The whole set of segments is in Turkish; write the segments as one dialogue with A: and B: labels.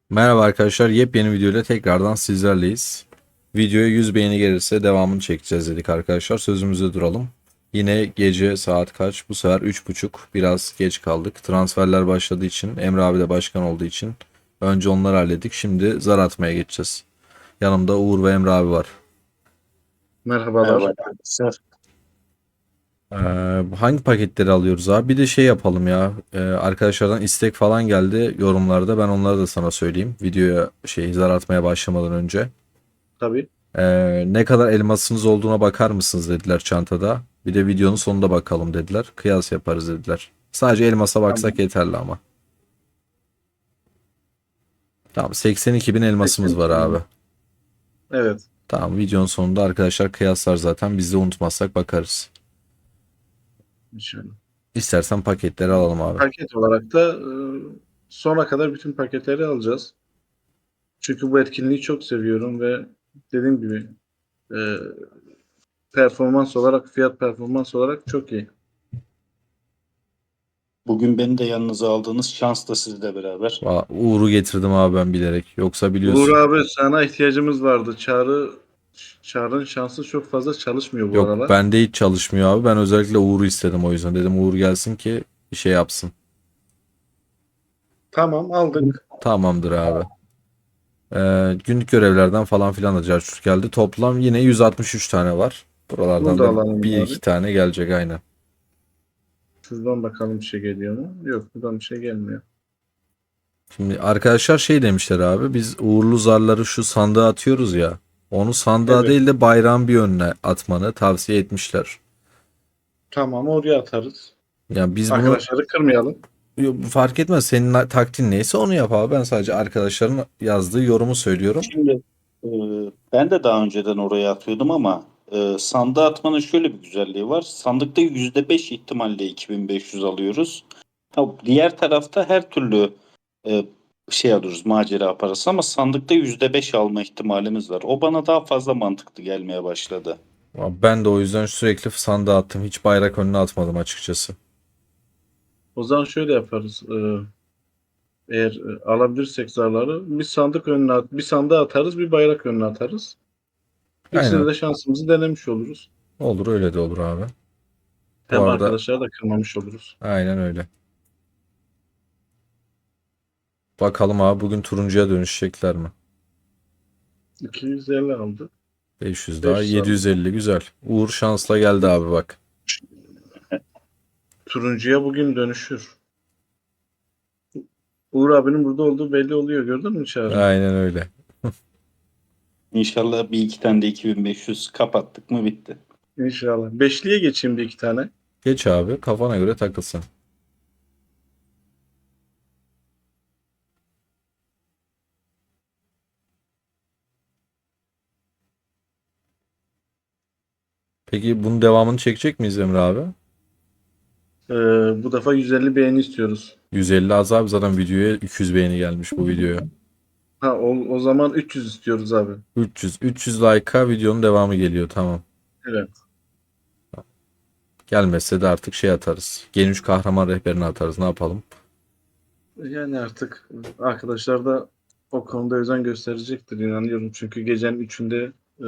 A: Merhaba arkadaşlar, yepyeni videoyla tekrardan sizlerleyiz. Videoya 100 beğeni gelirse devamını çekeceğiz dedik arkadaşlar. Sözümüzde duralım. Yine gece saat kaç? Bu sefer 3.30. Biraz geç kaldık. Transferler başladığı için, Emre abi de başkan olduğu için önce onları hallettik. Şimdi zar atmaya geçeceğiz. Yanımda Uğur ve Emre abi var.
B: Merhaba
C: Merhabalar.
B: arkadaşlar.
A: Hangi paketleri alıyoruz abi? Bir de şey yapalım ya. Arkadaşlardan istek falan geldi yorumlarda. Ben onları da sana söyleyeyim. Videoya zar atmaya başlamadan önce.
B: Tabii.
A: Ne kadar elmasınız olduğuna bakar mısınız dediler çantada. Bir de videonun sonunda bakalım dediler. Kıyas yaparız dediler. Sadece elmasa baksak
B: Tamam.
A: yeterli ama. Tamam, 82 bin elmasımız var
B: 82
A: abi.
B: bin. Evet.
A: Tamam, videonun sonunda arkadaşlar kıyaslar zaten. Biz de unutmazsak bakarız.
B: İnşallah.
A: İstersen paketleri alalım abi.
B: Paket olarak da sona kadar bütün paketleri alacağız. Çünkü bu etkinliği çok seviyorum ve dediğim gibi e, performans olarak, fiyat performans olarak çok iyi.
C: Bugün beni de yanınıza aldığınız şans da sizle beraber.
A: Uğur'u getirdim abi ben bilerek. Yoksa
B: Uğur
A: biliyorsun.
B: abi sana ihtiyacımız vardı. Çağrı'nın şansı çok fazla çalışmıyor bu
A: Yok,
B: aralar.
A: bende hiç çalışmıyor abi. Ben özellikle Uğur'u istedim o yüzden. Dedim Uğur gelsin ki bir şey yapsın.
B: Tamam aldık.
A: Tamamdır abi. Günlük görevlerden falan filan da carçurt geldi. Toplam yine 163 tane var.
B: Bunu
A: Buralardan
B: da
A: da
B: alalım
A: bir iki
B: abi.
A: tane gelecek aynen.
B: Şuradan bakalım bir şey geliyor mu? Yok buradan bir şey gelmiyor.
A: Şimdi arkadaşlar şey demişler abi. Biz uğurlu zarları şu sandığa atıyoruz ya. Onu sandığa
B: Evet.
A: değil de bayrağın bir önüne atmanı tavsiye etmişler.
B: Tamam oraya atarız.
A: Yani biz bunu
B: Arkadaşları kırmayalım.
A: fark etmez. Senin taktiğin neyse onu yap abi. Ben sadece arkadaşların yazdığı yorumu söylüyorum.
C: Şimdi e, ben de daha önceden oraya atıyordum ama sandığa atmanın şöyle bir güzelliği var. Sandıkta %5 ihtimalle 2500 alıyoruz. Ha, diğer tarafta her türlü e, şey alıyoruz, macera parası ama sandıkta %5 alma ihtimalimiz var. O bana daha fazla mantıklı gelmeye başladı.
A: Ben de o yüzden sürekli sandığa attım. Hiç bayrak önüne atmadım açıkçası.
B: O zaman şöyle yaparız. Eğer alabilirsek zarları bir sandık önüne bir sandığa atarız, bir bayrak önüne atarız. İkisinde
A: Aynen.
B: de şansımızı denemiş oluruz.
A: Olur, öyle de olur abi. Bu
B: Hem
A: arada
B: arkadaşları da kırmamış oluruz.
A: aynen öyle. Bakalım abi bugün turuncuya dönüşecekler mi?
B: 250 aldı.
A: 500 daha
B: 500 aldı.
A: 750 güzel. Uğur şansla geldi abi bak.
B: Turuncuya bugün dönüşür. Uğur abinin burada olduğu belli oluyor. Gördün mü Çağrı?
A: Aynen öyle.
C: İnşallah bir iki tane de 2500 kapattık mı bitti.
B: İnşallah. Beşliye geçeyim bir iki tane.
A: Geç abi, kafana göre takılsın. Peki bunun devamını çekecek miyiz Emre abi?
B: Ee, Bu defa 150 beğeni istiyoruz.
A: 150 az abi, zaten videoya 200 beğeni gelmiş bu videoya.
B: Ha o zaman 300 istiyoruz abi.
A: 300 like'a videonun devamı geliyor, tamam.
B: Evet.
A: Gelmezse de artık şey atarız. Gen 3 kahraman rehberini atarız, ne yapalım?
B: Yani artık arkadaşlar da o konuda özen gösterecektir inanıyorum. Çünkü gecenin üçünde e,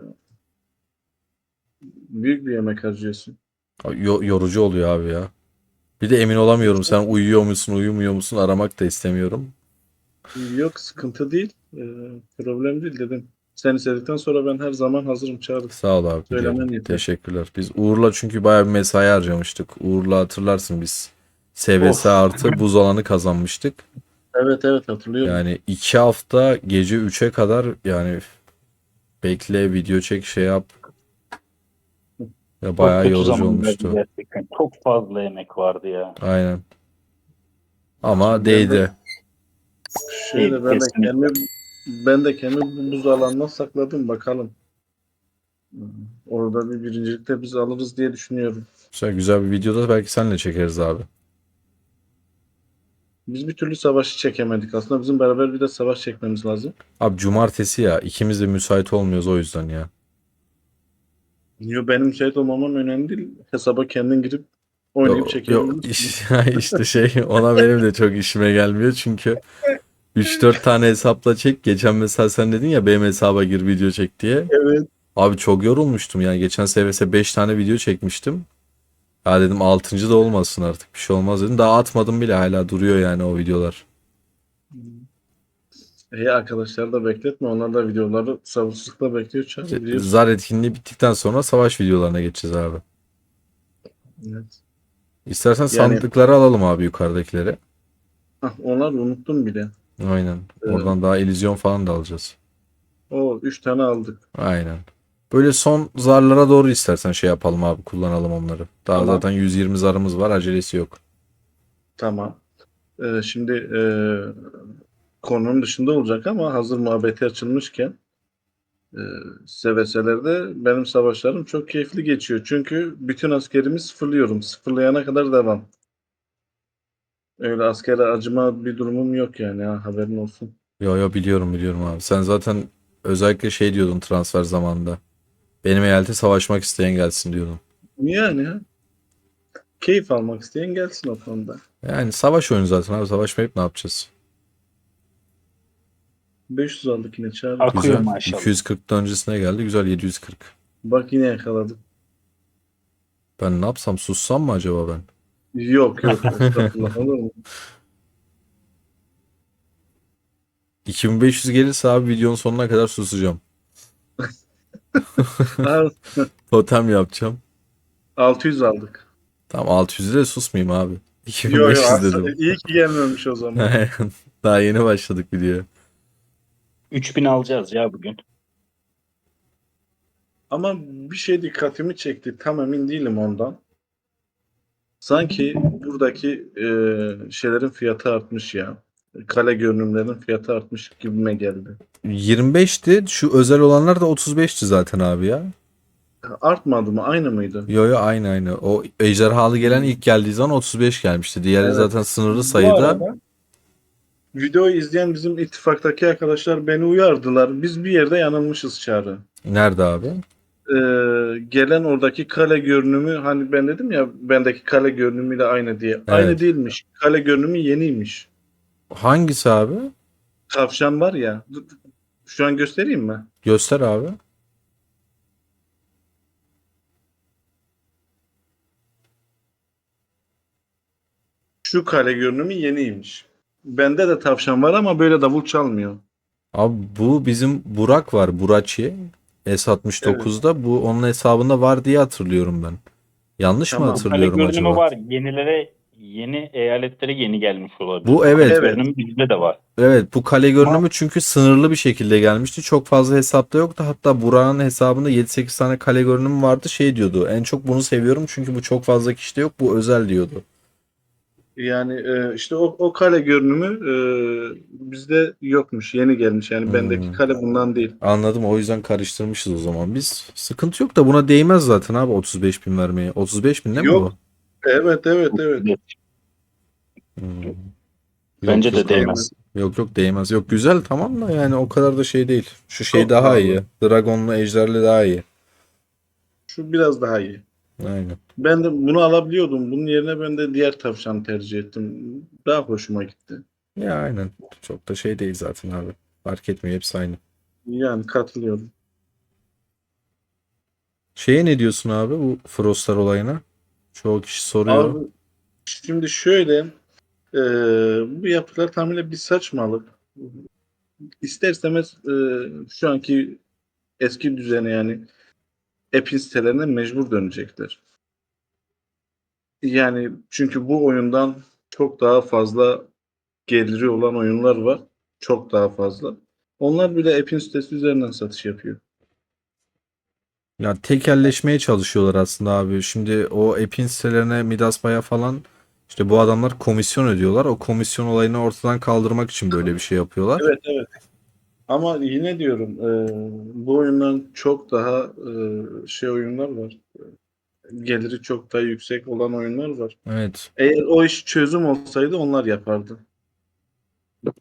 B: büyük bir yemek harcıyorsun.
A: Yorucu oluyor abi ya. Bir de emin olamıyorum, sen uyuyor musun uyumuyor musun aramak da istemiyorum.
B: Yok sıkıntı değil. Problem değil dedim. Sen istedikten sonra ben her zaman hazırım Çağrı.
A: Sağ ol abi, biliyorum.
B: Söylemen yeter.
A: Teşekkürler. Biz Uğur'la çünkü bayağı bir mesai harcamıştık. Uğur'la hatırlarsın biz. SBS
B: Of.
A: artı buz alanı kazanmıştık.
B: Evet evet hatırlıyorum.
A: Yani 2 hafta gece 3'e kadar yani bekle, video çek, şey yap. Ya
C: Çok
A: bayağı
C: kötü
A: yorucu
C: zamanlardı
A: olmuştu.
C: gerçekten. Çok fazla emek vardı ya.
A: Aynen. Ama
B: Şimdi ben de
A: değdi.
C: Değil
B: şöyle
C: kesinlikle.
B: ben de kendimi bu buz alanına sakladım bakalım. Orada bir birincilikte biz alırız diye düşünüyorum.
A: Güzel bir videoda belki seninle çekeriz abi.
B: Biz bir türlü savaşı çekemedik. Aslında bizim beraber bir de savaş çekmemiz lazım.
A: Abi cumartesi ya, ikimiz de müsait olmuyoruz o yüzden ya.
B: Yo, benim müsait olmamam önemli değil. Hesaba kendin girip oynayıp
A: Yok yok
B: çekebilirsin.
A: işte şey, ona benim de çok işime gelmiyor çünkü 3-4 tane hesapla çek. Geçen mesela sen dedin ya benim hesaba gir video çek diye.
B: Evet.
A: Abi çok yorulmuştum yani. Geçen SVS 5 tane video çekmiştim. Ya dedim 6. da olmasın artık. Bir şey olmaz dedim. Daha atmadım bile, hala duruyor yani o videolar.
B: İyi, arkadaşlar da bekletme. Onlar da videoları sabırsızlıkla bekliyor Çağrı, biliyorsun.
A: Zar etkinliği bittikten sonra savaş videolarına geçeceğiz abi.
B: Evet.
A: İstersen
B: Yani
A: sandıkları alalım abi, yukarıdakileri.
B: onlar unuttum bile.
A: Aynen.
B: Ee,
A: Oradan daha illüzyon falan da alacağız.
B: o 3 tane aldık.
A: Aynen. Böyle son zarlara doğru istersen şey yapalım abi, kullanalım onları. Daha
B: Tamam.
A: zaten 120 zarımız var, acelesi yok.
B: Tamam. Şimdi konunun dışında olacak ama hazır muhabbeti açılmışken e, SVS'lerde benim savaşlarım çok keyifli geçiyor. Çünkü bütün askerimi sıfırlıyorum. Sıfırlayana kadar devam. Öyle askere acıma bir durumum yok yani, ha, haberin olsun.
A: Yo yo, biliyorum biliyorum abi. Sen zaten özellikle şey diyordun transfer zamanında. Benim eyalete savaşmak isteyen gelsin diyordun.
B: Yani ha, keyif almak isteyen gelsin o konuda.
A: Yani savaş oyunu zaten abi. Savaşmayıp ne yapacağız?
B: 500 aldık yine Çağrı.
C: Akıyor
A: Güzel.
C: maşallah.
A: 240'tan öncesine geldi. Güzel, 740.
B: Bak yine yakaladım.
A: Ben ne yapsam, sussam mı acaba ben?
B: Yok yok, estağfurullah, olur mu?
A: 2500 gelirse abi videonun sonuna kadar susacağım.
B: Ha,
A: Totem yapacağım.
B: 600 aldık.
A: Tamam, 600'de de susmayayım abi.
B: Yo yo,
A: 2500 dedim.
B: iyi ki gelmemiş o zaman.
A: Daha yeni başladık videoya.
C: 3000 alacağız ya bugün.
B: Ama bir şey dikkatimi çekti. Tam emin değilim ondan. Sanki buradaki şeylerin fiyatı artmış ya. Kale görünümlerin fiyatı artmış gibime geldi.
A: 25'ti. Şu özel olanlar da 35'ti zaten abi ya.
B: Artmadı mı? Aynı mıydı?
A: Yo yo, aynı aynı. O ejderhalı gelen ilk geldiği zaman 35 gelmişti. Diğeri
B: Evet.
A: zaten sınırlı
B: Bu
A: sayıda.
B: arada videoyu izleyen bizim ittifaktaki arkadaşlar beni uyardılar. Biz bir yerde yanılmışız Çağrı.
A: Nerede abi?
B: Gelen oradaki kale görünümü, hani ben dedim ya bendeki kale görünümüyle aynı diye. Aynı
A: Evet.
B: değilmiş. Kale görünümü yeniymiş.
A: Hangisi abi?
B: Tavşan var ya. Şu an göstereyim mi?
A: Göster abi.
B: Şu kale görünümü yeniymiş. Bende de tavşan var ama böyle davul çalmıyor.
A: Abi bu bizim Burak var. Buraçi.
B: Evet.
A: S69'da. Bu onun hesabında var diye hatırlıyorum ben. Yanlış mı
B: Tamam.
C: Kale
A: hatırlıyorum
C: görünümü
A: acaba?
C: var. Yeni eyaletlere yeni gelmiş olabilir.
A: Bu
C: Kale
A: evet.
B: Evet.
C: görünümü bizde de var.
A: Evet, bu kale
C: Ama
A: görünümü çünkü sınırlı bir şekilde gelmişti. Çok fazla hesapta yoktu. Hatta Burak'ın hesabında 7-8 tane kale görünümü vardı. Şey diyordu. En çok bunu seviyorum çünkü bu çok fazla kişide yok. Bu özel diyordu.
B: Yani işte o kale görünümü bizde yokmuş. Yeni gelmiş. Yani bendeki
A: Hmm,
B: kale bundan değil.
A: anladım. O yüzden karıştırmışız o zaman. Biz sıkıntı yok da buna değmez zaten abi 35 bin vermeye. 35 bin değil mi bu?
B: Yok. Evet evet evet.
A: Hmm. Yok
C: bence de
A: yok abi.
C: değmez.
A: Yok yok, değmez. Yok, güzel tamam da yani o kadar da şey değil. Şu şey
B: Çok
A: daha
B: pahalı.
A: iyi. Dragon'la Ejder'le daha iyi.
B: Şu biraz daha iyi.
A: Aynen.
B: Ben de bunu alabiliyordum. Bunun yerine ben de diğer tavşanı tercih ettim. Daha hoşuma gitti.
A: Ya aynen. Çok da şey değil zaten abi. Fark etmiyor, hepsi aynı.
B: Yani katılıyorum.
A: Şeye ne diyorsun abi, bu Frostlar olayına? Çoğu kişi soruyor.
B: Abi şimdi şöyle, bu yaptıkları tamamen bir saçmalık. İster istemez şu anki eski düzene, yani Epic sitelerine mecbur dönecekler. Yani çünkü bu oyundan çok daha fazla geliri olan oyunlar var. Çok daha fazla. Onlar bile Epic sitesi üzerinden satış yapıyor.
A: Ya tekelleşmeye çalışıyorlar aslında abi. Şimdi o app'in sitelerine Midas Baya falan, işte bu adamlar komisyon ödüyorlar. O komisyon olayını ortadan kaldırmak için böyle bir şey yapıyorlar.
B: Evet evet. Ama yine diyorum, bu oyundan çok daha şey oyunlar var. Geliri çok daha yüksek olan oyunlar var.
A: Evet.
B: Eğer o iş çözüm olsaydı onlar yapardı.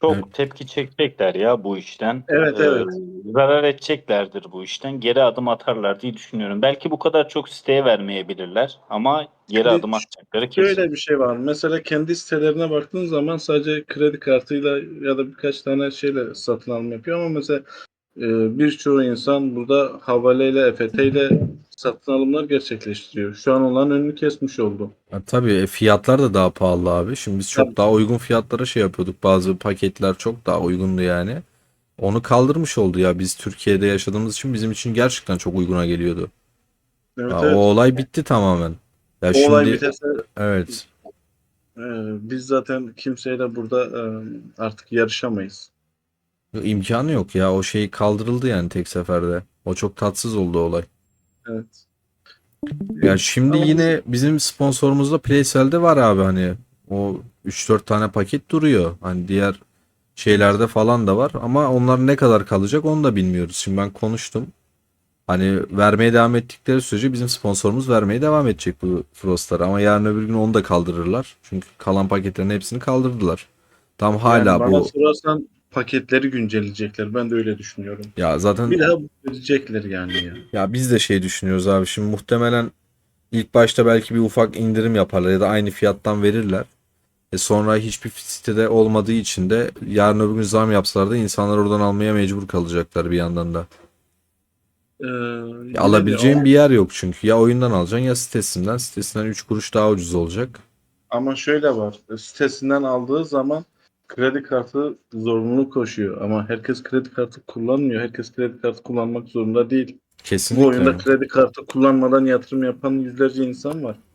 C: Çok
A: Evet.
C: tepki çekecekler ya bu işten.
B: Evet, evet.
C: Zarar edeceklerdir bu işten. Geri adım atarlar diye düşünüyorum. Belki bu kadar çok siteye vermeyebilirler ama geri
B: Şimdi
C: adım atacakları kesin.
B: şöyle bir şey var. Mesela kendi sitelerine baktığın zaman sadece kredi kartıyla ya da birkaç tane şeyle satın alım yapıyor ama mesela birçoğu insan burada havaleyle, EFT ile satın alımlar gerçekleştiriyor. Şu an onların önünü kesmiş oldu.
A: Tabii fiyatlar da daha pahalı abi. Şimdi biz çok
B: Tabii.
A: daha uygun fiyatlara şey yapıyorduk. Bazı paketler çok daha uygundu yani. Onu kaldırmış oldu ya. Biz Türkiye'de yaşadığımız için bizim için gerçekten çok uyguna geliyordu.
B: Evet,
A: Ya, o
B: evet.
A: olay bitti tamamen. Ya
B: O olay
A: şimdi
B: biterse
A: evet.
B: e, biz zaten kimseyle burada artık yarışamayız.
A: imkanı yok ya. O şey kaldırıldı yani tek seferde. O çok tatsız oldu olay.
B: Evet.
A: Ya şimdi
B: Ama biz
A: yine bizim sponsorumuzda PlaySell'de var abi hani o 3-4 tane paket duruyor. Hani diğer şeylerde falan da var ama onlar ne kadar kalacak onu da bilmiyoruz. Şimdi ben konuştum. Hani vermeye devam ettikleri sürece bizim sponsorumuz vermeye devam edecek bu Frost'ları ama yarın öbür gün onu da kaldırırlar. Çünkü kalan paketlerin hepsini kaldırdılar. Tam
B: yani
A: hala
B: bana
A: bu
B: sorarsan paketleri güncelleyecekler. Ben de öyle düşünüyorum.
A: ya zaten
B: Bir daha verecekler yani ya.
A: ya biz de şey düşünüyoruz abi. Şimdi muhtemelen ilk başta belki bir ufak indirim yaparlar ya da aynı fiyattan verirler. Sonra hiçbir sitede olmadığı için de yarın öbür gün zam yapsalar da insanlar oradan almaya mecbur kalacaklar bir yandan da.
B: Ee,
A: Ya
B: yine de
A: alabileceğin bir yer yok çünkü. Ya oyundan alacaksın ya sitesinden. Sitesinden 3 kuruş daha ucuz olacak.
B: ama şöyle var. Sitesinden aldığı zaman kredi kartı zorunluluk koşuyor. Ama herkes kredi kartı kullanmıyor. Herkes kredi kartı kullanmak zorunda değil. Bu oyunda
A: Kesinlikle.
B: kredi kartı kullanmadan yatırım yapan yüzlerce insan var.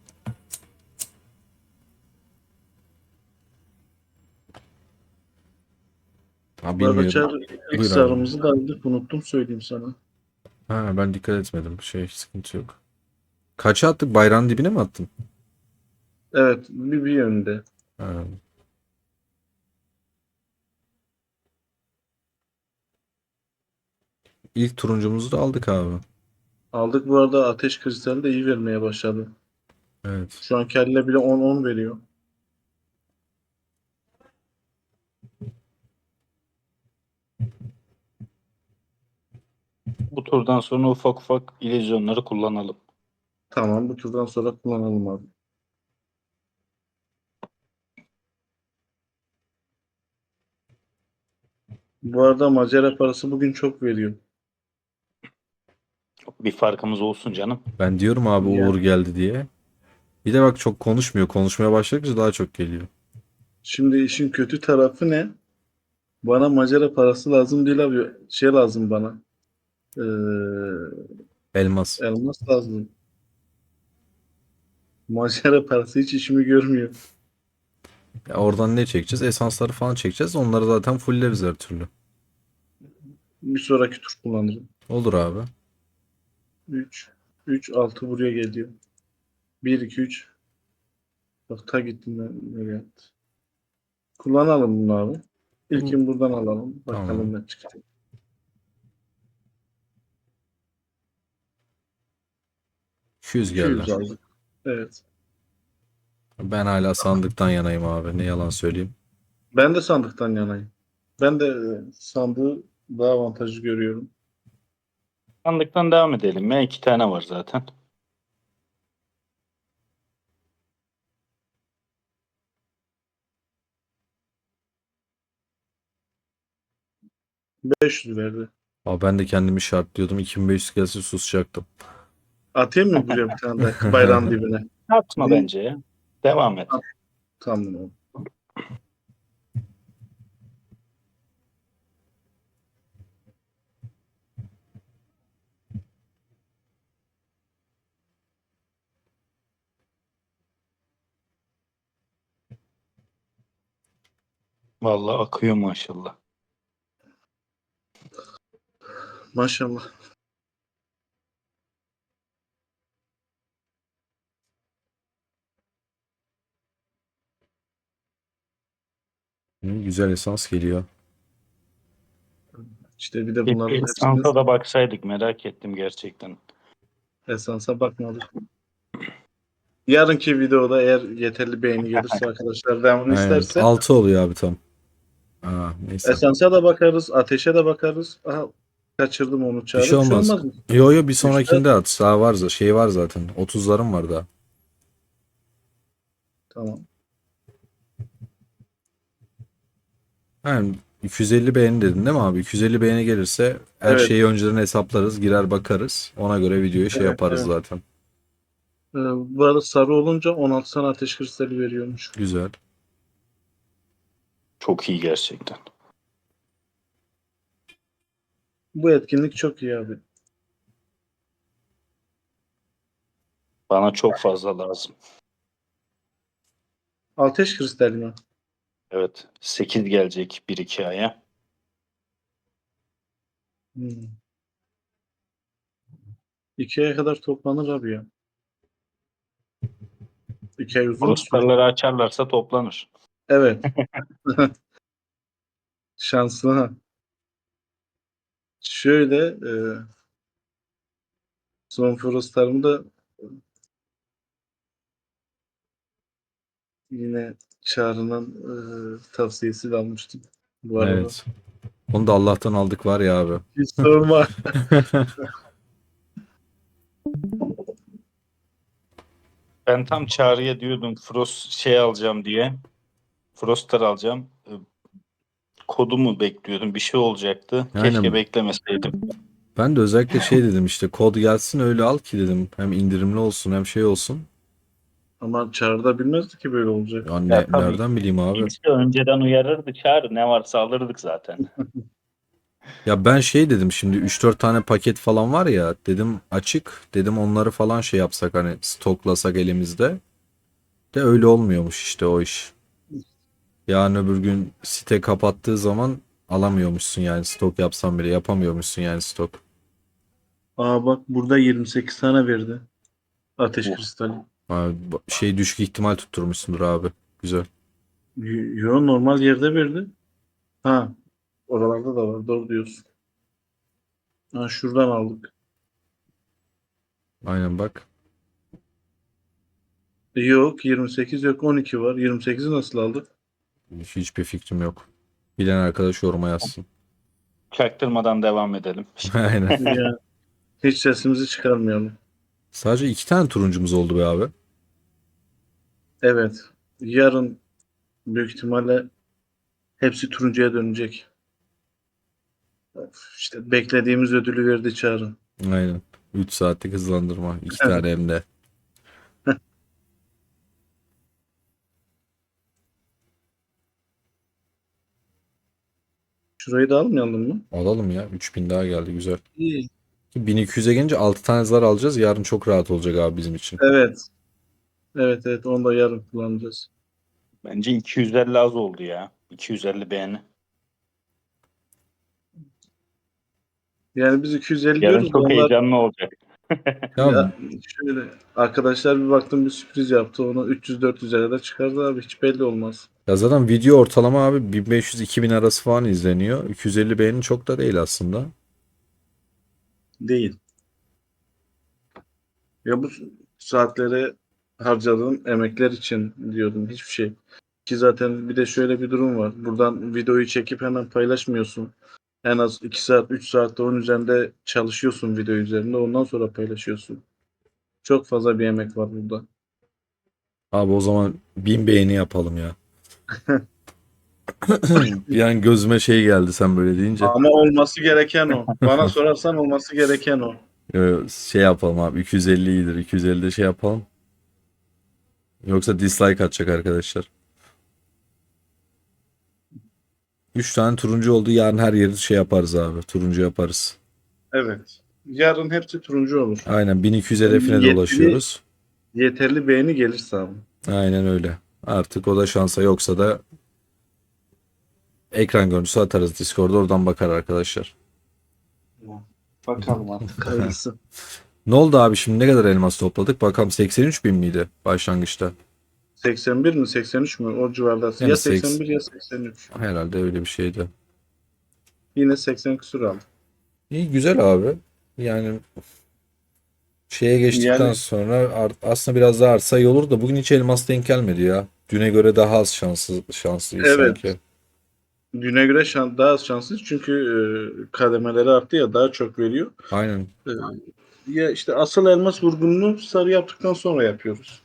A: Ha
B: Bu arada
A: bilmiyorum.
B: Çağrı, ilk
A: Buyur abi.
B: sarımızı da aldık. Unuttum söyleyeyim sana.
A: Ha ben dikkat etmedim. Şey sıkıntı yok. Kaça attık? Bayrağın dibine mi attın?
B: Evet, bir yönde.
A: Ha. İlk turuncumuzu da aldık abi.
B: Aldık, bu arada ateş kristali de iyi vermeye başladı.
A: Evet.
B: Şu an kelle bile 10-10 veriyor.
C: Bu turdan sonra ufak ufak illüzyonları kullanalım.
B: Tamam, bu turdan sonra kullanalım abi. Bu arada macera parası bugün çok veriyor.
C: Bir farkımız olsun canım.
A: Ben diyorum abi Uğur
B: Yani
A: geldi diye. Bir de bak çok konuşmuyor. Konuşmaya başladıkça daha çok geliyor.
B: şimdi işin kötü tarafı ne? Bana macera parası lazım değil abi. Şey lazım bana. Ee,
A: Elmas.
B: elmas lazım. Macera parası hiç işimi görmüyor.
A: Ya oradan ne çekeceğiz? Esansları falan çekeceğiz. Onları zaten fulleriz her türlü.
B: Bir sonraki tur kullanırım.
A: Olur abi.
B: 3 3 6 buraya geliyor. 1 2 3. Bak ta gittim ben nereye attı. Kullanalım bunu abi.
A: Bunu
B: İlkin buradan alalım.
A: tamam.
B: Bakalım ne çıkacak.
A: 200 geldi.
B: 200 aldık. Evet.
A: Ben hala sandıktan yanayım abi. Ne yalan söyleyeyim.
B: Ben de sandıktan yanayım. Ben de sandığı daha avantajlı görüyorum.
C: Sandıktan devam edelim ya. 2 tane var zaten.
B: Beş yüz verdi.
A: Abi ben de kendimi şartlıyordum. 2500 gelse susacaktım.
B: Atayım mı buraya bir tane daha bayrağın dibine?
C: Atma
B: Din,
C: bence ya. Devam et.
B: tamam.
C: Vallahi akıyor maşallah.
B: Maşallah.
A: Güzel esans geliyor.
B: İşte bir de
C: Bir
B: bunların hepsini
C: esansa da baksaydık merak ettim gerçekten.
B: esansa bakmadık. Yarınki videoda eğer yeterli beğeni gelirse arkadaşlar devamını
A: Evet.
B: isterse
A: 6 oluyor abi tam. Aa, neyse.
B: Esansa da bakarız, ateşe de bakarız. Aha, kaçırdım onu
A: Bir
B: Çağrı.
A: şey olmaz.
B: mı?
A: Yo yo, bir
B: Üçte
A: sonrakinde at. Daha var şey var zaten. 30'larım var daha.
B: tamam.
A: Yani 250 beğeni dedin değil mi abi? 250 beğeni gelirse her
B: Evet.
A: şeyi önceden hesaplarız, girer bakarız. Ona göre videoyu şey
B: Evet,
A: yaparız
B: evet.
A: zaten.
B: Bu arada sarı olunca 16 tane ateş kristali veriyormuş.
A: Güzel.
C: Çok iyi gerçekten.
B: Bu etkinlik çok iyi abi.
C: Bana çok fazla lazım.
B: Ateş kristali mi?
C: Evet. 8 gelecek 1-2 aya.
B: Hmm. 2 aya kadar toplanır abi ya. 2 ay uzun bir süre.
C: Ruslarları açarlarsa toplanır.
B: Evet. Şanslı ha. Şöyle son Frost'larımı da yine Çağrı'nın tavsiyesiyle almıştım bu arada.
A: Evet. Onu da Allah'tan aldık var ya abi.
B: Hiç sorma.
C: Ben tam Çağrı'ya diyordum Frost şey alacağım diye. Frostar alacağım. Kodumu bekliyordum. Bir şey olacaktı. Keşke
A: Aynen.
C: beklemeseydim.
A: Ben de özellikle şey dedim, işte kod gelsin öyle al ki dedim. Hem indirimli olsun hem şey olsun.
B: Ama Çağrı da bilmezdi ki böyle olacak.
A: Ya
C: Ya tabii
A: nereden bileyim abi?
C: kimse önceden uyarırdı Çağrı. Ne varsa alırdık zaten.
A: Ya ben şey dedim, şimdi 3-4 tane paket falan var ya, dedim açık, dedim onları falan şey yapsak, hani stoklasak elimizde. De öyle olmuyormuş işte o iş. Yarın öbür gün site kapattığı zaman alamıyormuşsun, yani stok yapsan bile yapamıyormuşsun yani stok.
B: Aa bak burada 28 tane verdi. Ateş
C: Uh,
B: kristali.
A: Abi, şey düşük ihtimal tutturmuşsundur abi. Güzel.
B: Yo normal yerde verdi. Ha oralarda da var. Doğru diyorsun. Ha şuradan aldık.
A: Aynen bak.
B: Yok 28 yok 12 var. 28'i nasıl aldık?
A: Hiçbir fikrim yok. Bilen arkadaş yoruma yazsın.
C: çaktırmadan devam edelim.
A: Aynen.
B: Ya, hiç sesimizi çıkarmayalım.
A: Sadece 2 tane turuncumuz oldu be abi.
B: Evet. Yarın büyük ihtimalle hepsi turuncuya dönecek. Of, İşte beklediğimiz ödülü verdi Çağrı.
A: Aynen. 3 saatlik hızlandırma. 2 tane hem de.
B: Şurayı da almayalım mı?
A: Alalım ya. 3000 daha geldi, güzel.
B: İyi.
A: 1200'e gelince 6 tane zar alacağız. Yarın çok rahat olacak abi bizim için.
B: Evet. Evet evet onu da yarın kullanacağız.
C: Bence 250 az oldu ya. 250 beğeni.
B: Yani biz 250
C: Yarın
B: diyoruz da
C: çok
B: onlar
C: heyecanlı olacak.
A: Ya
B: ya şöyle arkadaşlar bir baktım bir sürpriz yaptı. Onu 300-400'e kadar çıkardı abi. Hiç belli olmaz.
A: Ya zaten video ortalama abi 1500-2000 arası falan izleniyor. 250 beğeni çok da değil aslında.
B: Değil. Ya bu saatlere harcadığım emekler için diyordum hiçbir şey. Ki zaten bir de şöyle bir durum var. Buradan videoyu çekip hemen paylaşmıyorsun. En az 2 saat 3 saatte onun üzerinde çalışıyorsun video üzerinde. Ondan sonra paylaşıyorsun. Çok fazla bir emek var burada.
A: Abi o zaman 1000 beğeni yapalım ya. Bir an gözüme şey geldi sen böyle deyince.
B: Ama olması gereken o. Bana sorarsan olması gereken o.
A: Şey yapalım abi, 250 iyidir. 250'de şey yapalım. Yoksa dislike atacak arkadaşlar. 3 tane turuncu oldu. Yarın her yeri şey yaparız abi. Turuncu yaparız.
B: Evet. Yarın hepsi turuncu olur.
A: Aynen 1200
B: Yani
A: hedefine de ulaşıyoruz.
B: yeterli beğeni gelirse abi.
A: Aynen öyle. Artık o da şansa, yoksa da ekran görüntüsü atarız Discord'da, oradan bakar arkadaşlar.
B: Bakalım artık hayırlısı.
A: Ne oldu abi, şimdi ne kadar elmas topladık? Bakalım, 83 bin miydi başlangıçta?
B: 81 mi 83 mü o civarda.
A: Yani
B: Ya 81 ya 83.
A: herhalde öyle bir şeydi.
B: Yine 80 küsur aldım.
A: İyi, güzel abi. Yani şeye geçtikten
B: Yani
A: sonra aslında biraz daha artsa iyi olur da bugün hiç elmas denk gelmedi ya. Düne göre daha az şanslıyız
B: evet.
A: sanki.
B: düne göre daha az şanslıyız çünkü kademeleri arttı ya, daha çok veriyor.
A: Aynen.
B: E, Ya işte asıl elmas vurgununu sarı yaptıktan sonra yapıyoruz.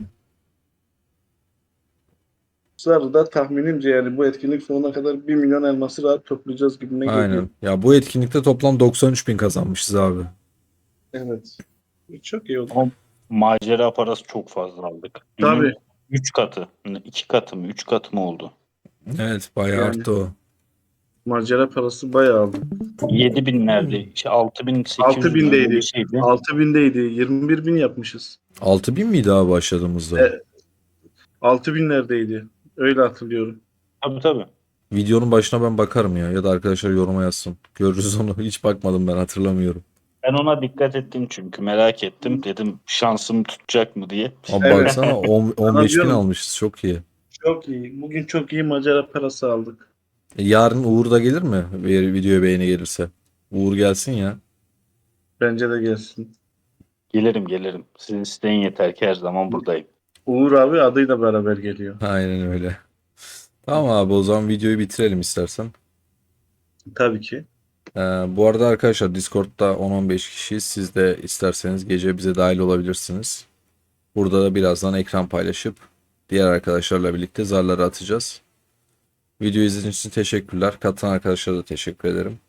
B: Sarıda tahminimce yani bu etkinlik sonuna kadar 1 milyon elması rahat toplayacağız gibime geliyor.
A: Aynen. Ya bu etkinlikte toplam 93 bin kazanmışız abi.
B: Evet. Çok iyi oldu.
C: Ama macera parası çok fazla aldık.
B: Tabii.
C: Dünün 3 katı, 2 katı mı, 3 katı mı oldu?
A: Evet, bayağı
B: Yani
A: arttı o.
B: macera parası bayağı aldı.
C: 7 binlerde, işte 6 bin, 800 bin öyle bir
B: 6.000'deydi.
C: şeydi.
B: 6.000'deydi. 21 bin yapmışız.
A: 6 bin miydi abi başladığımızda?
B: 6.000'lerdeydi. Öyle hatırlıyorum.
C: Tabii tabii.
A: Videonun başına ben bakarım ya. Ya da arkadaşlar yoruma yazsın. Görürüz onu. Hiç bakmadım, ben hatırlamıyorum.
C: Ben ona dikkat ettim çünkü merak ettim. Dedim şansım tutacak mı diye.
A: Ama
B: Evet.
A: baksana 15 bin
B: diyorum.
A: almışız. Çok iyi.
B: Çok iyi. Bugün çok iyi macera parası aldık.
A: Yarın Uğur da gelir mi? Bir videoya beğeni gelirse. Uğur gelsin ya.
B: Bence de gelsin.
C: Gelirim gelirim. Sizin isteğin yeter ki her zaman buradayım.
B: Uğur abi adıyla beraber geliyor.
A: Aynen öyle. Tamam abi, o zaman videoyu bitirelim istersen.
B: Tabii ki.
A: Bu arada arkadaşlar Discord'da 10-15 kişiyiz. Siz de isterseniz gece bize dahil olabilirsiniz. Burada da birazdan ekran paylaşıp diğer arkadaşlarla birlikte zarları atacağız. Video izlediğiniz için teşekkürler. Katılan arkadaşlara da teşekkür ederim.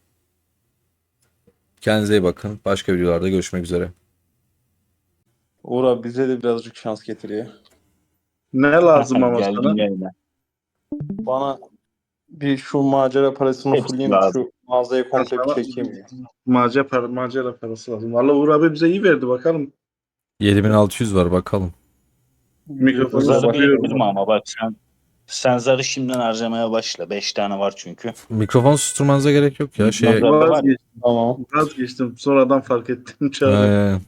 A: Kendinize iyi bakın. Başka videolarda görüşmek üzere.
D: Uğur abi bize de birazcık şans getiriyor.
B: Ne lazım ama
C: Geldim
B: sana?
C: yayına.
D: Bana bir şu macera parasını
C: Hepsi
D: fulleyim,
C: lazım.
D: şu mağazayı komple bir
B: Sana
D: çekeyim ya.
B: macera parası lazım. Valla Uğur abi bize iyi verdi bakalım.
A: 7600 var, bakalım.
B: Mikrofonu
C: Zarı
B: sıkıyorum.
C: biriktirme ama bak sen zarı şimdiden harcamaya başla. 5 tane var çünkü.
A: Mikrofon susturmanıza gerek yok ya.
C: Nazar- var ya.
B: Vazgeçtim.
D: Tamam.
B: Vazgeçtim. Sonradan fark ettim. Çağrı.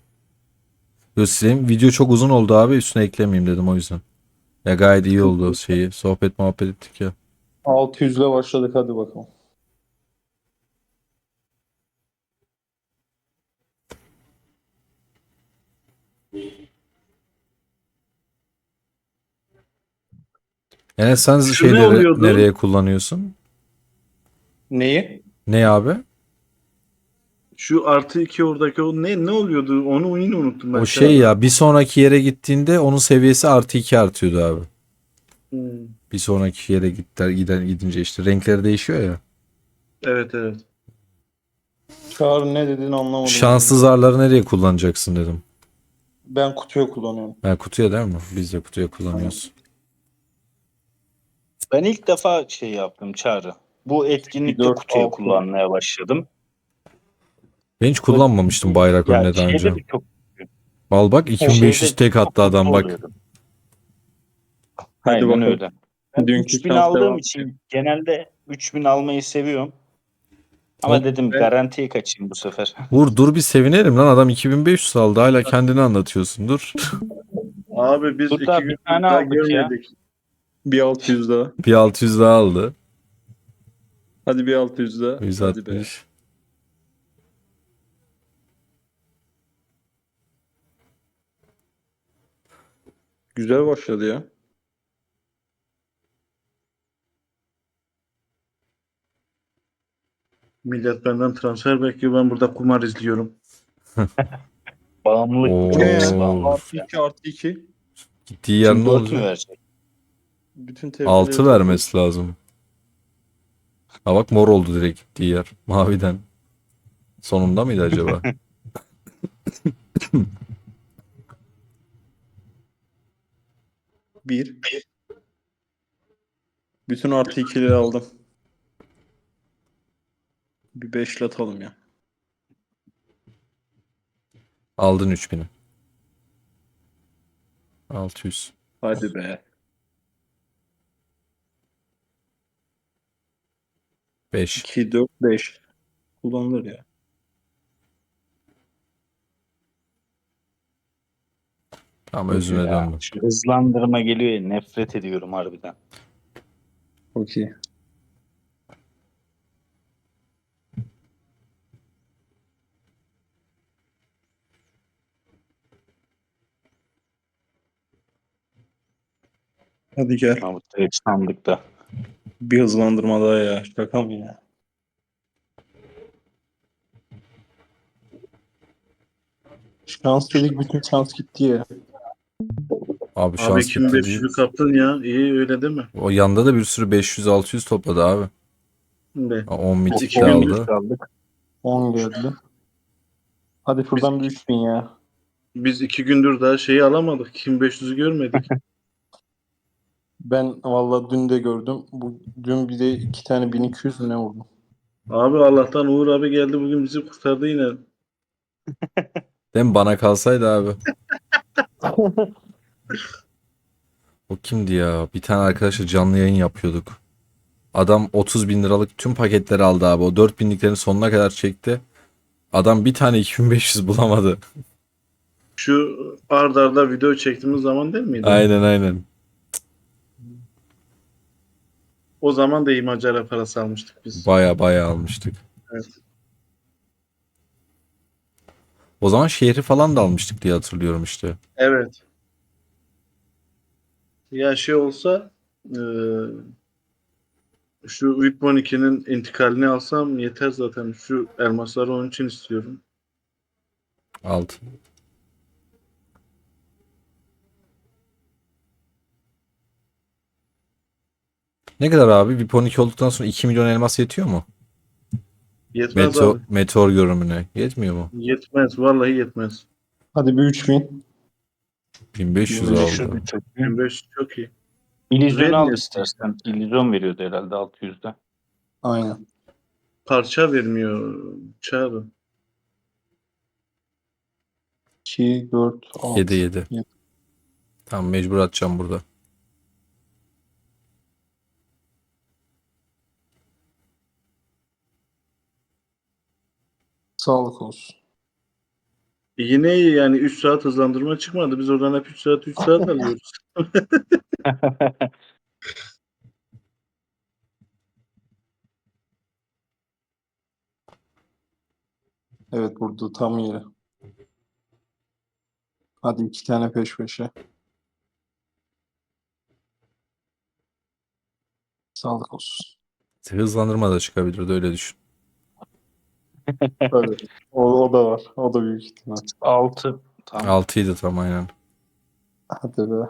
A: Göstereyim. Video çok uzun oldu abi. Üstüne eklemeyeyim dedim o yüzden. Ya gayet iyi oldu şeyi. Sohbet muhabbet ettik ya.
D: 600 ile başladık, hadi bakalım.
A: Yani sen
B: Şu ne
A: şeyleri
B: oluyordu?
A: nereye kullanıyorsun?
D: Neyi?
A: Ne abi?
B: Şu +2 oradaki o ne oluyordu? Onu yine unuttum ben.
A: O şey ya, bir sonraki yere gittiğinde onun seviyesi +2 artıyordu abi.
B: Hmm.
A: Bir sonraki yere gidince işte renkleri değişiyor ya.
B: Evet evet.
D: Çağrı ne dediğini anlamadım.
A: Şanslı zarları nereye kullanacaksın dedim.
D: Ben kutuya kullanıyorum.
A: Ha, kutuya değil mi? Biz de kutuya kullanıyoruz.
C: Ben ilk defa şey yaptım Çağrı. Bu etkinlikte
D: 4,
C: kutuya
D: 6.
C: kullanmaya başladım.
A: Ben hiç kullanmamıştım bayrak
C: Ya
A: önüne daha önce.
C: şeyde de çok
A: Al bak, 2500
C: şeyde
A: tek
C: çok
A: attı adam
C: mutlu
A: bak.
C: oluyorum.
D: Hadi
C: Aynen
D: bakalım.
C: öyle. Ben
D: Dünkü
C: 3000
D: şans
C: aldığım
D: devam.
C: için genelde 3000 almayı seviyorum. Ama dedim
B: Ben-
C: garantiye kaçayım bu sefer.
A: Dur bir sevinelim lan, adam 2500 aldı, hala kendini anlatıyorsun, dur.
B: Abi biz
C: Burada
B: 2
C: bir
B: gün
C: tane
B: daha
C: aldık ya.
B: görmedik.
D: Bir 600 daha.
A: Bir 600 daha aldı.
D: Hadi bir 600 daha. Hadi be.
A: 160.
D: Güzel başladı ya.
B: Millet benden transfer bekliyor. Ben burada kumar izliyorum.
C: Bağımlılık bu,
A: Oo.
C: çok
D: Ne ya?
C: pis bağımlılık.
D: Artı 2 artı 2.
A: Gittiği yer
C: Şimdi
A: ne
C: 4 mü
A: olacak?
C: verecek?
D: Bütün TF'leri
A: 6 vermesi lazım. Ha bak, mor oldu direkt gittiği yer. Maviden. Sonunda mıydı acaba?
D: Bir. Bütün artı 2'leri aldım. Bir 5'li atalım ya.
A: Aldın 3000'i. 600.
D: Hadi be.
A: 5.
D: 2, 4, 5. Kullanılır ya.
A: Tamam,
D: Okey.
A: özüne
C: Ya,
A: döndüm.
C: şu hızlandırma geliyor ya, nefret ediyorum harbiden.
D: Okey. Hadi gel.
C: Ama direkt sandıkta.
D: Bir hızlandırma daha ya. Şaka mı ya? Şans dedik, bütün şans gitti ya.
A: Abi
B: Abi
A: şans gitti değil.
B: 2500'ü kaptın ya. İyi öyle değil mi?
A: O yanda da bir sürü 500-600 topladı abi.
B: Ne?
A: 10
B: Biz
A: mitik de
B: 2000
A: aldı.
C: aldık.
D: 10 geldi. Hadi şuradan bir 3000 ya.
B: Biz 2 gündür daha şeyi alamadık. 2500'ü görmedik.
D: Ben valla dün de gördüm. Dün bir de 2 tane 1200 mü ne vurdum?
B: Abi Allah'tan Uğur abi geldi bugün bizi kurtardı yine.
A: Değil mi? Bana kalsaydı abi. O kimdi ya? Bir tane arkadaşla canlı yayın yapıyorduk. Adam 30 bin liralık tüm paketleri aldı abi. O 4 binliklerin sonuna kadar çekti. Adam bir tane 2500 bulamadı.
B: Şu ard arda video çektiğimiz zaman değil miydi?
A: Aynen aynen.
B: O zaman da iyi Macara parası almıştık biz.
A: Baya baya almıştık.
B: Evet.
A: O zaman şehri falan da almıştık diye hatırlıyorum işte.
B: Evet. Ya şey olsa şu VIP 12'nin intikalini alsam yeter zaten. Şu elmasları onun için istiyorum.
A: Alt. Ne kadar abi? VIP 12 olduktan sonra 2 milyon elmas yetiyor mu?
B: Yetmez abi.
A: Meteor görünümüne. Yetmiyor mu?
B: Yetmez. Vallahi yetmez.
D: Hadi bir 3000.
A: 1500
C: 500
A: aldı.
C: bir çok.
B: 2500 çok iyi.
C: İllüzyon al
B: Vermiyor.
C: istersen. İllüzyon veriyordu herhalde 600'de.
D: Aynen.
B: Parça vermiyor. Çağrı.
D: 2, 4,
A: 7
D: 6.
A: 7. Tamam mecbur atacağım burada.
D: Sağlık olsun.
B: Yine iyi yani 3 saat hızlandırma çıkmadı. Biz oradan hep 3 saat alıyoruz.
D: Evet, burada tam yeri. Hadi 2 tane peş peşe. Sağlık olsun.
A: Hızlandırma da çıkabilirdi öyle düşün.
D: Evet. O da var. O da büyük ihtimal.
C: 6. Tamam.
A: 6 idi tam aynen.
D: Hadi be.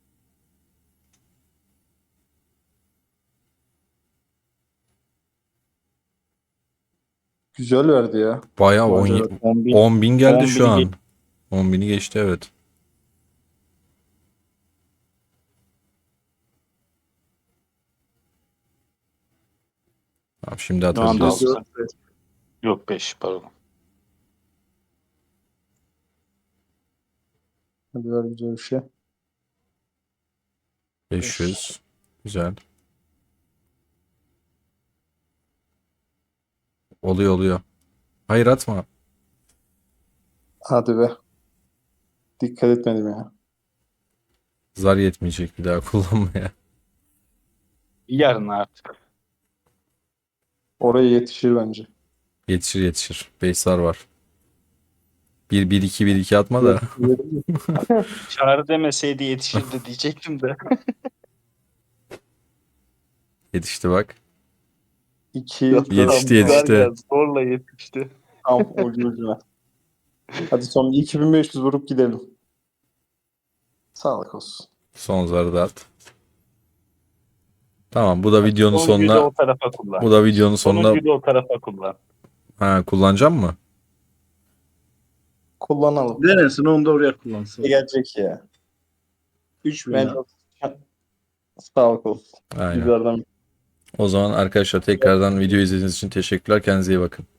D: Güzel verdi ya.
A: Bayağı
D: 10
C: 10 bin.
A: 10 bin geldi
C: 10
A: şu
C: bini
A: an. 10 bini geçti evet. Tamam, şimdi
C: Şu anda
A: atabiliriz.
C: 6. Yok 5 pardon.
D: Hadi ver güzel bir şey.
A: 500. Güzel. Oluyor oluyor. Hayır atma.
D: Hadi be. Dikkat etmedim ya.
A: Zar yetmeyecek bir daha kullanmaya.
C: Yarın artık.
D: Oraya yetişir bence.
A: Yetişir yetişir. 5 zar var. 1 1 2 1 2 atma da.
C: Çağrı demeseydi yetişirdi diyecektim de.
A: Yetişti bak.
D: 2,
A: Yetişti yetişti.
C: Zorla yetişti.
D: tam ucu ucuna. Hadi son 2500 vurup gidelim. Sağlık olsun.
A: Son zarı da at. Tamam bu da videonun
C: Sonuncuyu da
A: sonuna.
C: o tarafa kullan.
A: Bu da videonun sonuna.
C: Sonuncuyu da o tarafa kullan.
A: Ha kullanacağım mı?
D: Kullanalım.
B: Denesin onu da oraya kullansın.
D: Gelecek ya.
B: 3000
D: Bence
B: ya.
D: sağlık olsun.
A: Aynen.
D: Bizlerden
A: O zaman arkadaşlar tekrardan video izlediğiniz için teşekkürler. Kendinize iyi bakın.